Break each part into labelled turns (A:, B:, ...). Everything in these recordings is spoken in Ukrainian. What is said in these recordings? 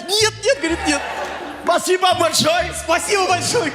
A: нет, говорит, нет. Спасибо большое, спасибо большое.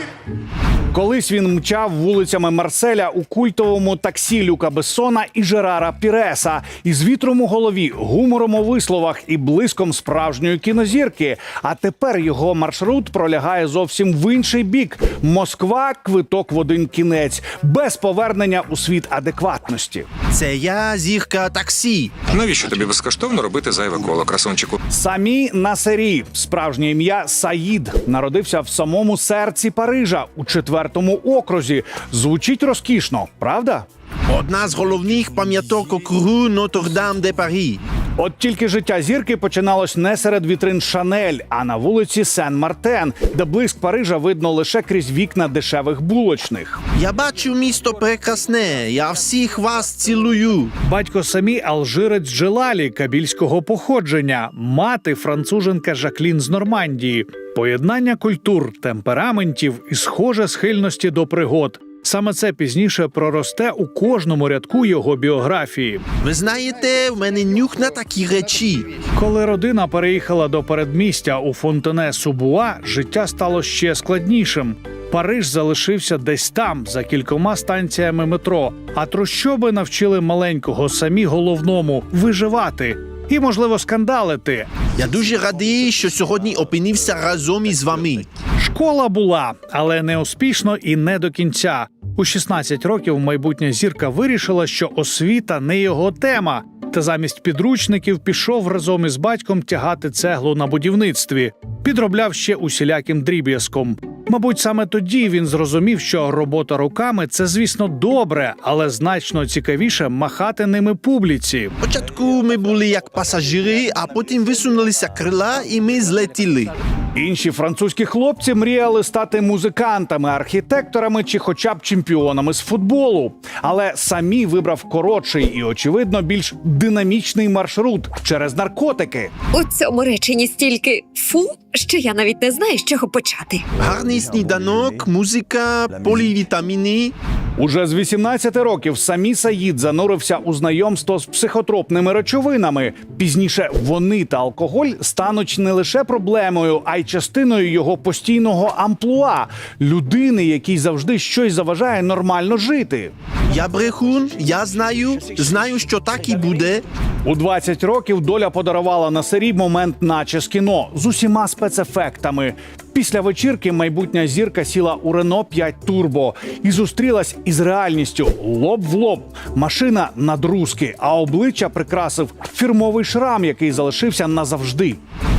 B: Колись він мчав вулицями Марселя у культовому таксі Люка Бессона і Жерара Піреса із вітром у голові, гумором у висловах і блиском справжньої кінозірки. А тепер його маршрут пролягає зовсім в інший бік. Москва – квиток в один кінець, без повернення у світ адекватності.
A: Це я, зірка таксі.
C: Навіщо тобі безкоштовно робити зайве коло, красунчику?
B: Самі Насері, справжнє ім'я Саїд, народився в самому серці Парижа у 4-му окрузі. Звучить розкішно, правда?
A: Одна з головних пам'яток округу Нотр-Дам-де-Парі.
B: От тільки життя зірки починалось не серед вітрин Шанель, а на вулиці Сен-Мартен, де блиск Парижа видно лише крізь вікна дешевих булочних.
A: Я бачу місто прекрасне, я всіх вас цілую.
D: Батько Самі – алжирець Джелалі кабільського походження, мати – француженка Жаклін з Нормандії. Поєднання культур, темпераментів і схоже схильності до пригод. Саме це пізніше проросте у кожному рядку його біографії.
A: Ви знаєте, в мене нюх на такі речі.
D: Коли родина переїхала до передмістя у Фонтене-Субуа, життя стало ще складнішим. Париж залишився десь там, за кількома станціями метро, а трущоби навчили маленького Самі головному – виживати і, можливо, скандалити.
A: Я дуже радий, що сьогодні опинився разом із вами.
D: Школа була, але не успішно і не до кінця. У 16 років майбутня зірка вирішила, що освіта не його тема, та замість підручників пішов разом із батьком тягати цеглу на будівництві. Підробляв ще усіляким дріб'язком. Мабуть, саме тоді він зрозумів, що робота руками – це, звісно, добре, але значно цікавіше махати ними публіці.
A: Спочатку ми були як пасажири, а потім висунулися крила і ми злетіли.
B: Інші французькі хлопці мріяли стати музикантами, архітекторами чи хоча б чемпіонами з футболу. Але Самі вибрав коротший і, очевидно, більш динамічний маршрут через наркотики.
E: У цьому реченні стільки «фу», що я навіть не знаю, з чого почати.
A: Гарний сніданок, музика, полівітаміни.
B: Уже з 18 років Самі Саїд занурився у знайомство з психотропними речовинами. Пізніше вони та алкоголь стануть не лише проблемою, а й частиною його постійного амплуа – людини, якій завжди щось заважає нормально жити.
A: Я брехун, я знаю, що так і буде.
B: У 20 років доля подарувала Насері момент наче з кіно, з усіма спецефектами. Після вечірки майбутня зірка сіла у Рено 5 Турбо і зустрілась із реальністю лоб в лоб. Машина надрузки, а обличчя прикрасив фірмовий шрам, який залишився назавжди.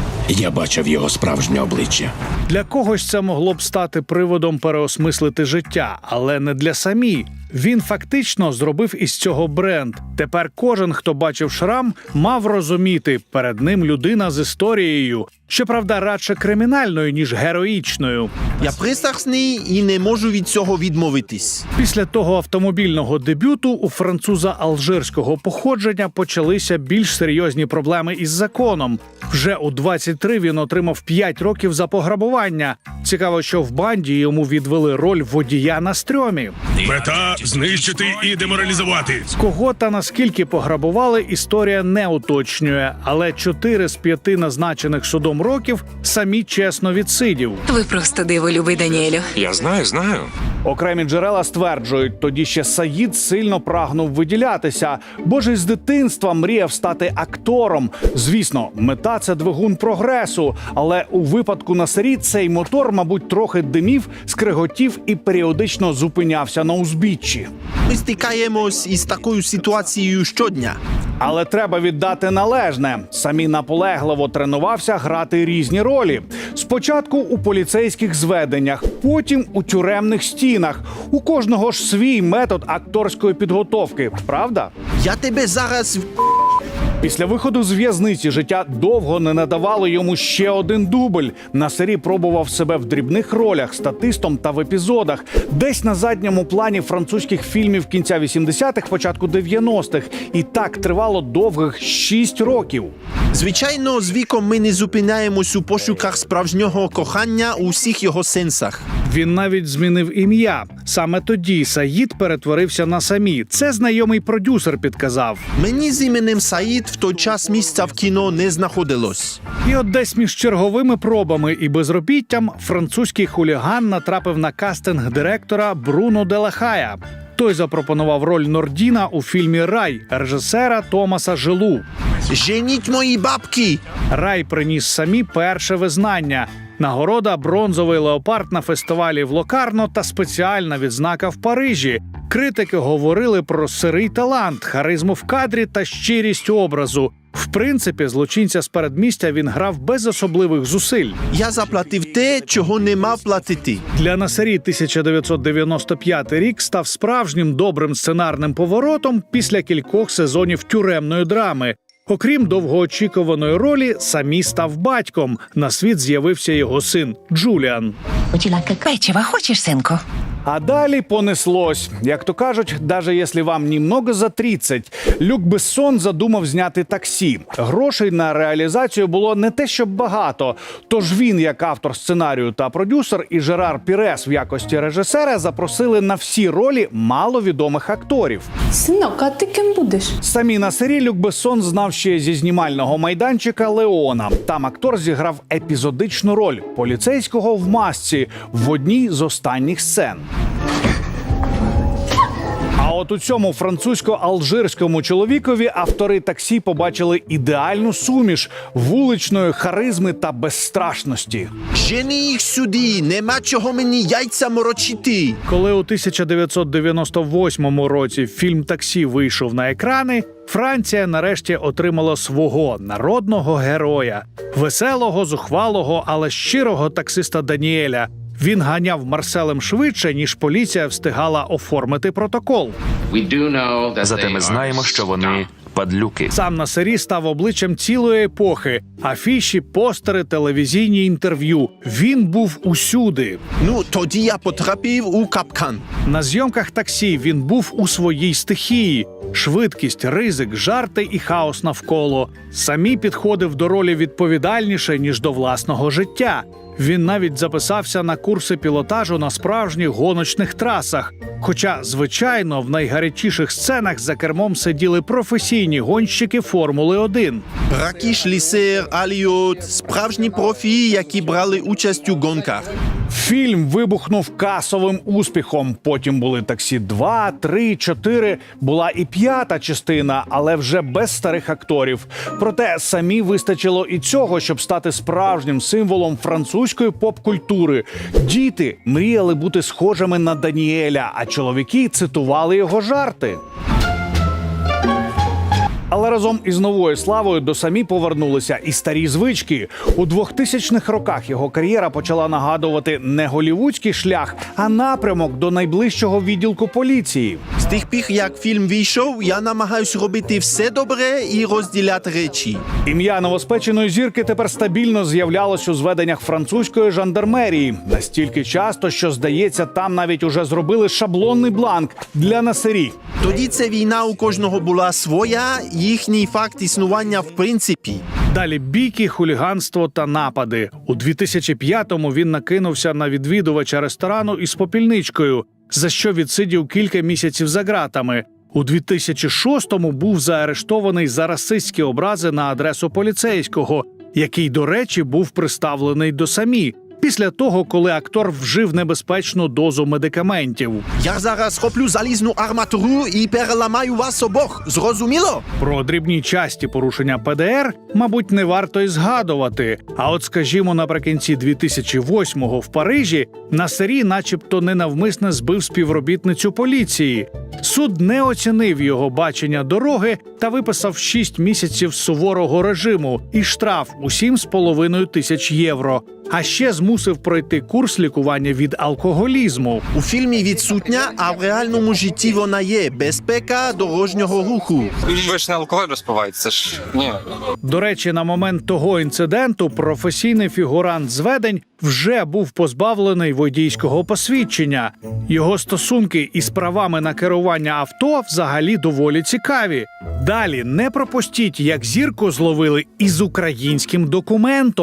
F: Я бачив його справжнє обличчя.
D: Для когось це могло б стати приводом переосмислити життя, але не для Самі. Він фактично зробив із цього бренд. Тепер кожен, хто бачив шрам, мав розуміти, перед ним людина з історією. Щоправда, радше кримінальною, ніж героїчною.
A: Я пристрасний і не можу від цього відмовитись.
D: Після того автомобільного дебюту у француза алжирського походження почалися більш серйозні проблеми із законом. Вже у 23 він отримав 5 років за пограбування. Цікаво, що в банді йому відвели роль водія на стрьомі.
G: Мета – знищити і деморалізувати.
D: Кого та наскільки пограбували, історія не уточнює, але 4 з 5 назначених судом років Самі чесно відсидів.
H: Ви просто диво, любий Даніелю.
C: Я знаю.
B: Окремі джерела стверджують, тоді ще Саїд сильно прагнув виділятися, бо ж із дитинства мріяв стати актором. Звісно, мета – це двигун прогресу, але у випадку Насері цей мотор, мабуть, трохи димів, скриготів і періодично зупинявся на узбіччі.
A: Ми стикаємось із такою ситуацією щодня.
B: Але треба віддати належне. Самі наполегливо тренувався грати різні ролі. Спочатку у поліцейських зведеннях, потім у тюремних стінах. У кожного ж свій метод акторської підготовки, правда?
A: Я тебе зараз...
B: Після виходу з в'язниці життя довго не надавало йому ще один дубль. Насері пробував себе в дрібних ролях, статистом та в епізодах. Десь на задньому плані французьких фільмів кінця 80-х, початку 90-х. І так тривало довгих 6 років.
A: Звичайно, з віком ми не зупиняємось у пошуках справжнього кохання у всіх його сенсах.
D: Він навіть змінив ім'я. Саме тоді Саїд перетворився на Самі. Це знайомий продюсер підказав.
A: Мені з іменем Саїд в той час місця в кіно не знаходилось.
D: І от десь між черговими пробами і безробіттям французький хуліган натрапив на кастинг директора Бруно де ла Хая. Той запропонував роль Нордіна у фільмі «Рай» режисера Томаса Желу.
A: Женіть мої бабки!
D: «Рай» приніс Самі перше визнання. Нагорода «Бронзовий леопард» на фестивалі в Локарно та спеціальна відзнака в Парижі. Критики говорили про сирий талант, харизму в кадрі та щирість образу. В принципі, злочинця з передмістя він грав без особливих зусиль.
A: Я заплатив те, чого не мав платити.
D: Для Насері 1995 рік став справжнім добрим сценарним поворотом після кількох сезонів тюремної драми. Окрім довгоочікуваної ролі, Самі став батьком. На світ з'явився його син Джуліан.
H: Печива хочеш, синку?
B: А далі понеслось. Як то кажуть, даже якщо вам немного за 30, Люк Бессон задумав зняти «Таксі». Грошей на реалізацію було не те, щоб багато. Тож він, як автор сценарію та продюсер, і Жерар Пірес в якості режисера запросили на всі ролі маловідомих акторів.
I: Синок, а ти ким будеш?
B: Самі Насері Люк Бессон знав ще зі знімального майданчика «Леона». Там актор зіграв епізодичну роль – поліцейського в масці в одній з останніх сцен. А от у цьому французько-алжирському чоловікові автори «Таксі» побачили ідеальну суміш вуличної харизми та безстрашності.
A: Жени їх сюди, нема чого мені яйця морочити.
D: Коли у 1998 році фільм «Таксі» вийшов на екрани, Франція нарешті отримала свого народного героя – веселого, зухвалого, але щирого таксиста Даніеля. Він ганяв Марселем швидше, ніж поліція встигала оформити протокол.
J: Зате ми знаємо, що вони падлюки.
D: Сам Насері став обличчям цілої епохи. Афіші, постери, телевізійні інтерв'ю. Він був усюди.
A: Ну, тоді я потрапив у капкан.
D: На зйомках «Таксі» він був у своїй стихії. Швидкість, ризик, жарти і хаос навколо. Самі підходив до ролі відповідальніше, ніж до власного життя. Він навіть записався на курси пілотажу на справжніх гоночних трасах. Хоча, звичайно, в найгарячіших сценах за кермом сиділи професійні гонщики Формули-1.
A: Бракіш, Лісер, Аліот – справжні профі, які брали участь у гонках.
B: Фільм вибухнув касовим успіхом. Потім були «Таксі 2», 3, 4. Була і 5-та частина, але вже без старих акторів. Проте Самі вистачило і цього, щоб стати справжнім символом французької поп-культури. Діти мріяли бути схожими на Даніеля, а чоловіки цитували його жарти. Але разом із новою славою до Самі повернулися і старі звички. У 2000-х роках його кар'єра почала нагадувати не голівудський шлях, а напрямок до найближчого відділку поліції.
A: З тих пір, як фільм вийшов, я намагаюсь робити все добре і розділяти речі.
B: Ім'я новоспеченої зірки тепер стабільно з'являлось у зведеннях французької жандармерії. Настільки часто, що, здається, там навіть уже зробили шаблонний бланк для Насері.
A: Тоді ця війна у кожного була своя, їхній факт існування в принципі.
D: Далі бійки, хуліганство та напади. У 2005-му він накинувся на відвідувача ресторану із попільничкою, за що відсидів кілька місяців за ґратами. У 2006-му був заарештований за расистські образи на адресу поліцейського, який, до речі, був приставлений до Самі. Після того, коли актор вжив небезпечну дозу медикаментів.
A: Я зараз хоплю залізну арматуру і переламаю вас обох. Зрозуміло?
D: Про дрібні часті порушення ПДР, мабуть, не варто й згадувати. А от, скажімо, наприкінці 2008-го в Парижі Насері начебто ненавмисне збив співробітницю поліції. Суд не оцінив його бачення дороги та виписав 6 місяців суворого режиму і штраф у 7,5 тисяч євро. А ще змусив пройти курс лікування від алкоголізму.
A: У фільмі відсутня, а в реальному житті вона є. Безпека дорожнього руху.
K: Ви ж не алкоголь розпиваєте, це ж ні.
D: До речі, на момент того інциденту професійний фігурант зведень вже був позбавлений водійського посвідчення. Його стосунки із правами на керування авто взагалі доволі цікаві. Далі не пропустіть, як зірку зловили із українським документом.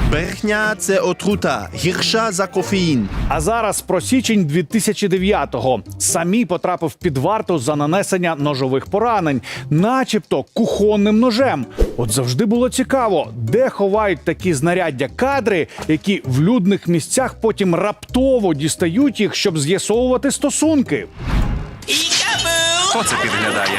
A: Брехня – це отрута, гірша за кофеїн.
B: А зараз про січень 2009-го. Самі потрапив під варту за нанесення ножових поранень, начебто кухонним ножем. От завжди було цікаво, де ховають такі знаряддя кадри, які в людних місцях потім раптово дістають їх, щоб з'ясовувати стосунки.
J: Оце підглядає.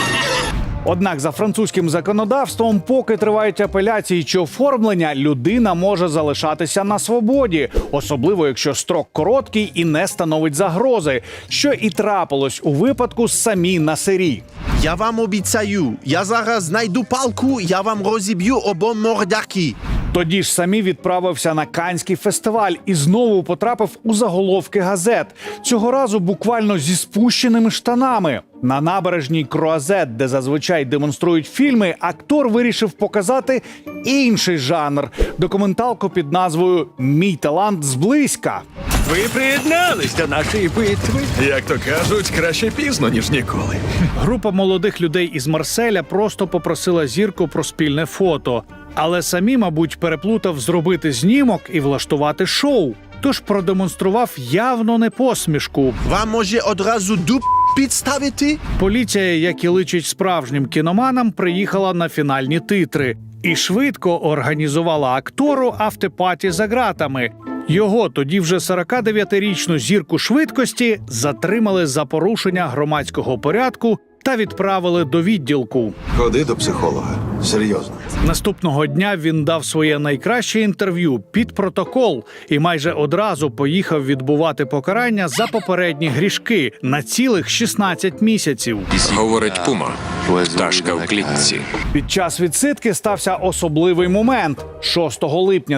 B: Однак за французьким законодавством, поки тривають апеляції чи оформлення, людина може залишатися на свободі, особливо якщо строк короткий і не становить загрози, що і трапилось у випадку з Самі Насері.
A: Я вам обіцяю, я зараз знайду палку, я вам розіб'ю обом мордяки.
B: Тоді ж Самі відправився на Каннський фестиваль і знову потрапив у заголовки газет. Цього разу буквально зі спущеними штанами. На набережній Круазет, де зазвичай демонструють фільми, актор вирішив показати інший жанр – документалку під назвою «Мій талант зблизька».
F: Ви приєднались до нашої битви. Як то кажуть, краще пізно, ніж ніколи.
D: Група молодих людей із Марселя просто попросила зірку про спільне фото. Але Самі, мабуть, переплутав зробити знімок і влаштувати шоу. Тож продемонстрував явно не посмішку.
A: Вам може одразу дуб підставити?
D: Поліція, як і личить справжнім кіноманам, приїхала на фінальні титри. І швидко організувала актору автопаті за ґратами. Його, тоді вже 49-річну зірку швидкості, затримали за порушення громадського порядку та відправили до відділку.
F: Ходи до психолога. Серйозно.
D: Наступного дня він дав своє найкраще інтерв'ю під протокол і майже одразу поїхав відбувати покарання за попередні грішки на цілих 16 місяців.
C: Говорить Пума. Пташка в клітці.
B: Під час відсидки стався особливий момент. 6 липня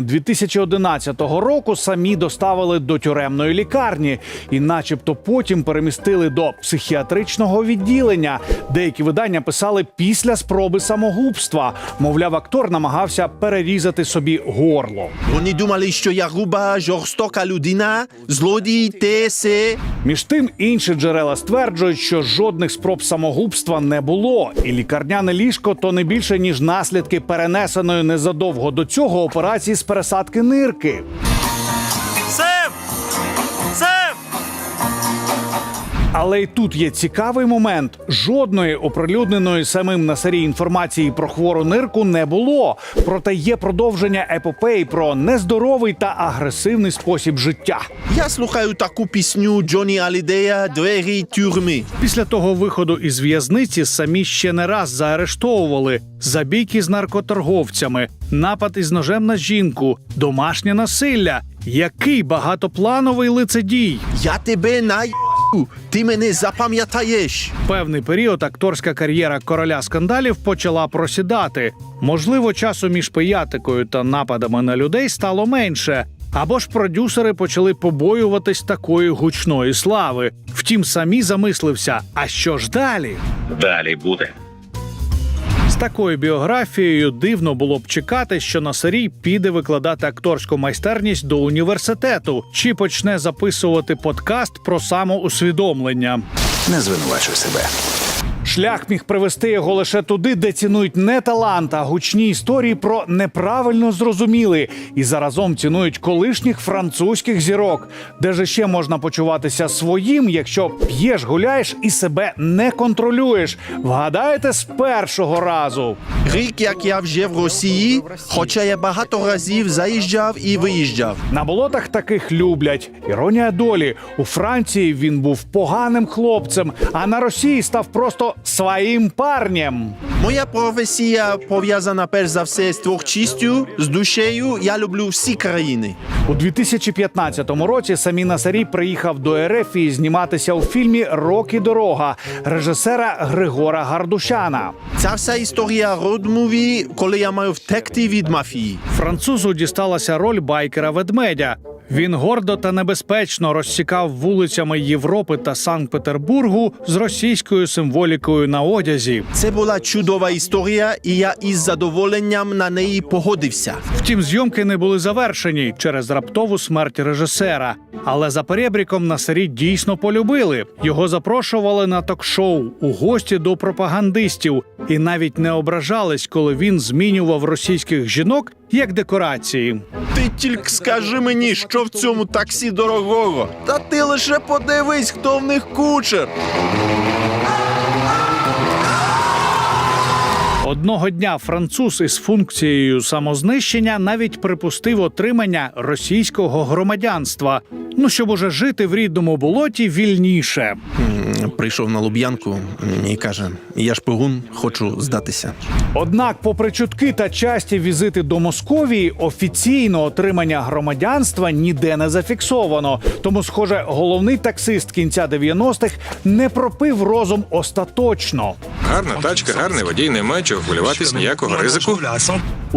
B: 2011 року Самі доставили до тюремної лікарні і начебто потім перемістили до психіатричного відділення. Деякі видання писали після спроби самогубства. Мовляв, актор намагався перерізати собі горло.
A: Вони думали, що я груба, жорстока людина, злодій, те, се.
B: Між тим, інші джерела стверджують, що жодних спроб самогубства не було. І лікарняне ліжко – то не більше, ніж наслідки перенесеної незадовго до цього операції з пересадки нирки. Але й тут є цікавий момент. Жодної оприлюдненої самим Насері інформації про хвору нирку не було. Проте є продовження епопеї про нездоровий та агресивний спосіб життя.
A: Я слухаю таку пісню Джонні Алідея «Двері тюрми».
D: Після того виходу із в'язниці Самі ще не раз заарештовували за бійки з наркоторговцями, напад із ножем на жінку, домашнє насилля. Який багатоплановий лицедій!
A: Я тебе наїбу, ти мене запам'ятаєш.
D: Певний період акторська кар'єра короля скандалів почала просідати. Можливо, часу між пиятикою та нападами на людей стало менше. Або ж продюсери почали побоюватись такої гучної слави. Втім, Самі замислився, а що ж далі?
F: Далі буде.
D: З такою біографією дивно було б чекати, що Насері піде викладати акторську майстерність до університету чи почне записувати подкаст про самоусвідомлення.
F: Не звинувачуй себе.
B: Шлях міг привести його лише туди, де цінують не талант, а гучні історії про неправильно зрозуміли і заразом цінують колишніх французьких зірок. Де ж ще можна почуватися своїм, якщо п'єш, гуляєш і себе не контролюєш? Вгадаєте з першого разу?
A: Рік, як я вже в Росії, хоча я багато разів заїжджав і виїжджав.
B: На болотах таких люблять. Іронія долі. У Франції він був поганим хлопцем, а на Росії став просто своїм парнем.
A: Моя професія пов'язана перш за все з творчістю, з душею. Я люблю всі країни.
B: У 2015 році Самі Насері приїхав до РФ і зніматися у фільмі «Рок і дорога» режисера Григора Гардушяна.
A: Ця вся історія род-муві, коли я маю втекти від мафії.
D: Французу дісталася роль байкера-ведмедя. Він гордо та небезпечно розсікав вулицями Європи та Санкт-Петербургу з російською символікою на одязі.
A: Це була чудова історія, і я із задоволенням на неї погодився.
D: Втім, зйомки не були завершені через раптову смерть режисера. Але за перебріком Насері дійсно полюбили. Його запрошували на ток-шоу, у гості до пропагандистів. І навіть не ображались, коли він змінював російських жінок як декорації.
A: Ти тільки скажи мені, що в цьому таксі дорогого. Та ти лише подивись, хто в них кучер.
D: Одного дня француз із функцією самознищення навіть припустив отримання російського громадянства. Ну, щоб уже жити в рідному болоті вільніше.
A: Прийшов на Луб'янку і каже, я шпигун, хочу здатися.
B: Однак, попри чутки та часті візити до Московії, офіційно отримання громадянства ніде не зафіксовано. Тому, схоже, головний таксист кінця 90-х не пропив розум остаточно.
C: Гарна тачка, гарний водій, немає чого хвилюватись, ніякого ризику.
B: У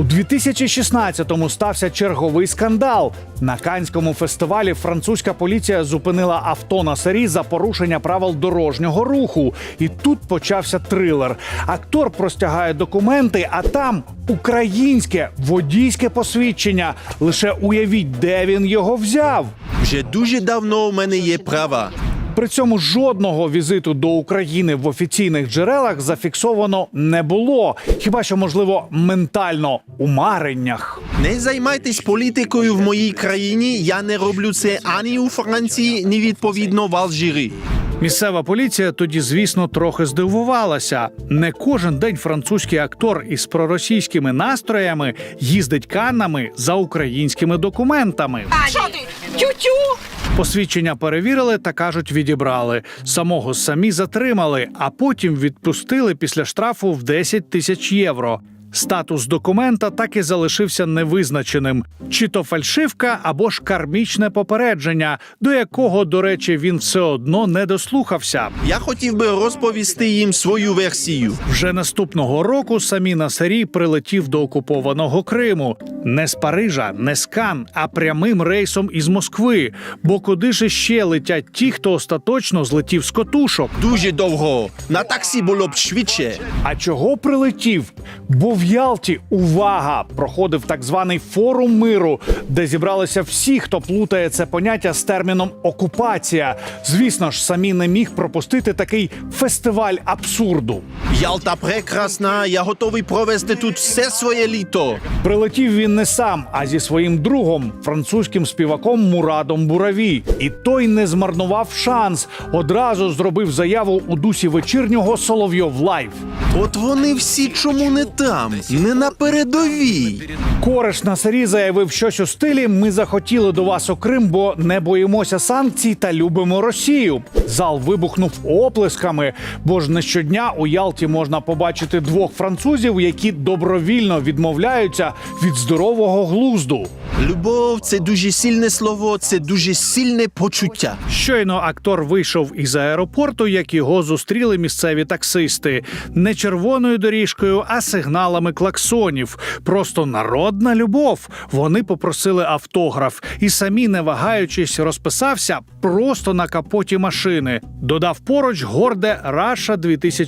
B: 2016-му стався черговий скандал. На Каннському фестивалі французька поліція зупинила авто на Сарі за порушення правил дорожнього руху. І тут почався трилер. Актор простягає документи, а там українське водійське посвідчення. Лише уявіть, де він його взяв.
A: Вже дуже давно у мене є права.
B: При цьому жодного візиту до України в офіційних джерелах зафіксовано не було. Хіба що, можливо, ментально у мареннях.
A: Не займайтесь політикою в моїй країні, я не роблю це ані у Франції, ні відповідно в Алжирі.
D: Місцева поліція тоді, звісно, трохи здивувалася. Не кожен день французький актор із проросійськими настроями їздить Каннами за українськими документами.
E: Що ти? Тю-тю!
D: Посвідчення перевірили та, кажуть, відібрали. Самого самі затримали, а потім відпустили після штрафу в 10 тисяч євро. Статус документа так і залишився невизначеним. Чи то фальшивка, або ж кармічне попередження, до якого, до речі, він все одно не дослухався.
A: Я хотів би розповісти їм свою версію.
D: Вже наступного року Самі Насері прилетів до окупованого Криму. Не з Парижа, не з Кан, а прямим рейсом із Москви. Бо куди ж ще летять ті, хто остаточно злетів з котушок?
A: Дуже довго. На таксі було б швидше.
B: А чого прилетів? Бо в Ялті, увага, проходив так званий форум миру, де зібралися всі, хто плутає це поняття з терміном «окупація». Звісно ж, Самі не міг пропустити такий фестиваль абсурду.
A: Ялта прекрасна, я готовий провести тут все своє літо.
B: Прилетів він не сам, а зі своїм другом, французьким співаком Мурадом Бураві. І той не змарнував шанс. Одразу зробив заяву у дусі вечірнього «Соловйов Лайв».
A: От вони всі чому не там, не на передовій.
B: Кореш Насері заявив щось у стилі «Ми захотіли до вас у Крим, бо не боїмося санкцій та любимо Росію». Зал вибухнув оплесками, бо ж не щодня у Ялті можна побачити двох французів, які добровільно відмовляються від здорового глузду.
A: Любов – це дуже сильне слово, це дуже сильне почуття.
D: Щойно актор вийшов із аеропорту, як його зустріли місцеві таксисти. Не червоною доріжкою, а сигналами клаксонів. Просто народна любов. Вони попросили автограф. І Самі, не вагаючись, розписався просто на капоті машини. Додав поруч горде «Раша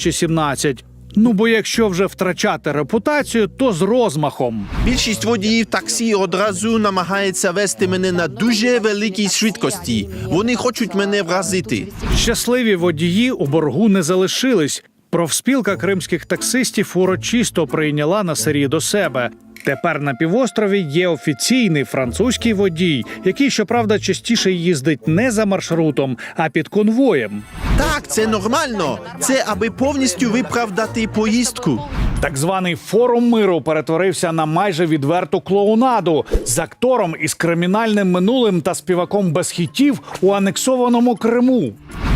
D: 2017». Ну, бо якщо вже втрачати репутацію, то з розмахом.
A: Більшість водіїв таксі одразу намагається вести мене на дуже великій швидкості. Вони хочуть мене вразити.
D: Щасливі водії у боргу не залишились. Профспілка кримських таксистів урочисто прийняла Насері до себе. Тепер на півострові є офіційний французький водій, який, щоправда, частіше їздить не за маршрутом, а під конвоєм.
A: Так, це нормально. Це аби повністю виправдати поїздку.
B: Так званий форум миру перетворився на майже відверту клоунаду з актором із кримінальним минулим та співаком без хітів у анексованому Криму.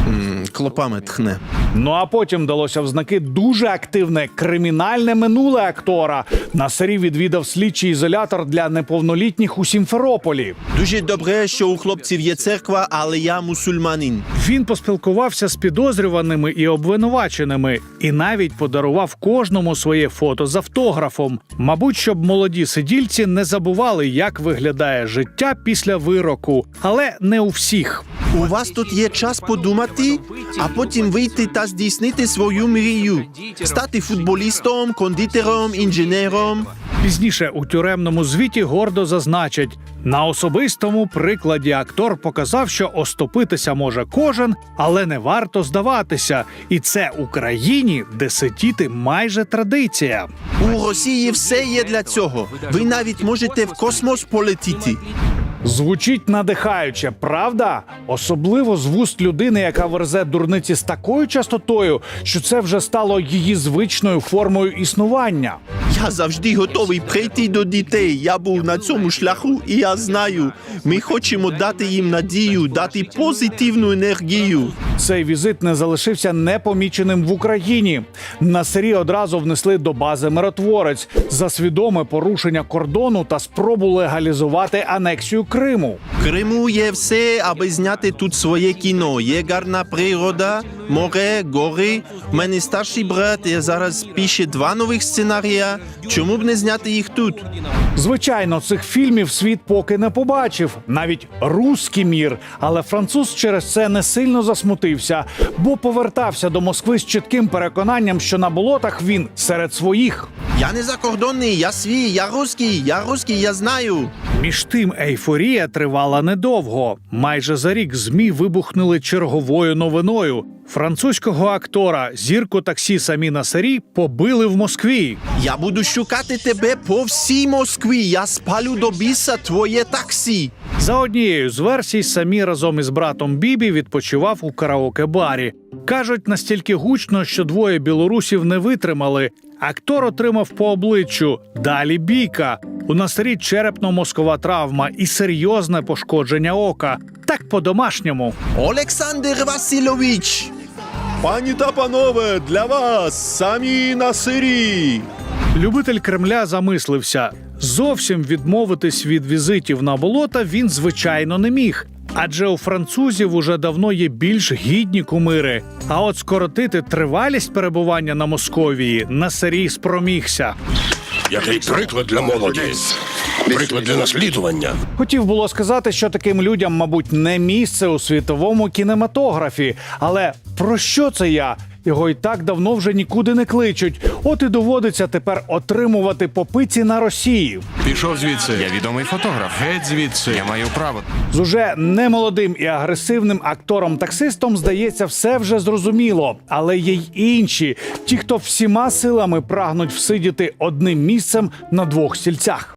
A: Клопами тхне.
B: Ну а потім далося в знаки дуже активне кримінальне минуле актора. Насері відвідав слідчий ізолятор для неповнолітніх у Сімферополі.
A: Дуже добре, що у хлопців є церква, але я мусульманин.
D: Він поспілкувався з підозрюваними і обвинуваченими і навіть подарував кожному своє фото з автографом. Мабуть, щоб молоді сидільці не забували, як виглядає життя після вироку. Але не у всіх.
A: У вас тут є час подумати, а потім вийти та здійснити свою мрію. Стати футболістом, кондитером, інженером.
D: Пізніше у тюремному звіті гордо зазначать, на особистому прикладі актор показав, що оступитися може кожен, але не варто здаватися. І це Україні, де сидіти майже традиція.
A: У Росії все є для цього. Ви навіть можете в космос полетіти.
B: Звучить надихаюче, правда? Особливо з вуст людини, яка верзе дурниці з такою частотою, що це вже стало її звичною формою існування.
A: Я завжди готовий прийти до дітей. Я був на цьому шляху, і я знаю. Ми хочемо дати їм надію, дати позитивну енергію.
B: Цей візит не залишився непоміченим в Україні. Насирі одразу внесли до бази «Миротворець» за свідоме порушення кордону та спробу легалізувати анексію Криму.
A: В Криму є все, аби зняти тут своє кіно. Є гарна природа, море, гори. У мене старший брат, я зараз пише 2 нових сценарія. Чому б не зняти їх тут?
B: Звичайно, цих фільмів світ поки не побачив, навіть «Руський мір», але француз через це не сильно засмутився, бо повертався до Москви з чітким переконанням, що на болотах він серед своїх.
A: Я не закордонний, я свій, я русський, я знаю.
D: Між тим, ейфорія тривала недовго. Майже за рік ЗМІ вибухнули черговою новиною. Французького актора, зірку таксі Самі Насирі, побили в Москві.
A: Я буду шукати тебе по всій Москві. Я спалю до біса твоє таксі.
D: За однією з версій, Самі разом із братом Бібі відпочивав у караоке-барі. Кажуть, настільки гучно, що двоє білорусів не витримали. Актор отримав по обличчю. Далі бійка. У Насирі черепно-мозкова травма і серйозне пошкодження ока. Так по-домашньому.
A: Олександр Васильович. Пані та панове, для вас Самі Насирі.
D: Любитель Кремля замислився. Зовсім відмовитись від візитів на болота він, звичайно, не міг. Адже у французів уже давно є більш гідні кумири. А от скоротити тривалість перебування на Московії Насирі спромігся.
G: Який приклад для молоді. Приклад для наслідування.
B: Хотів було сказати, що таким людям, мабуть, не місце у світовому кінематографі. Але про що це я? Його і так давно вже нікуди не кличуть. От і доводиться тепер отримувати по пиці на Росії.
F: Пішов звідси. Я відомий фотограф. Геть звідси. Я маю право.
B: З уже немолодим і агресивним актором-таксистом, здається, все вже зрозуміло. Але є й інші. Ті, хто всіма силами прагнуть всидіти одним місцем на 2 стільцях.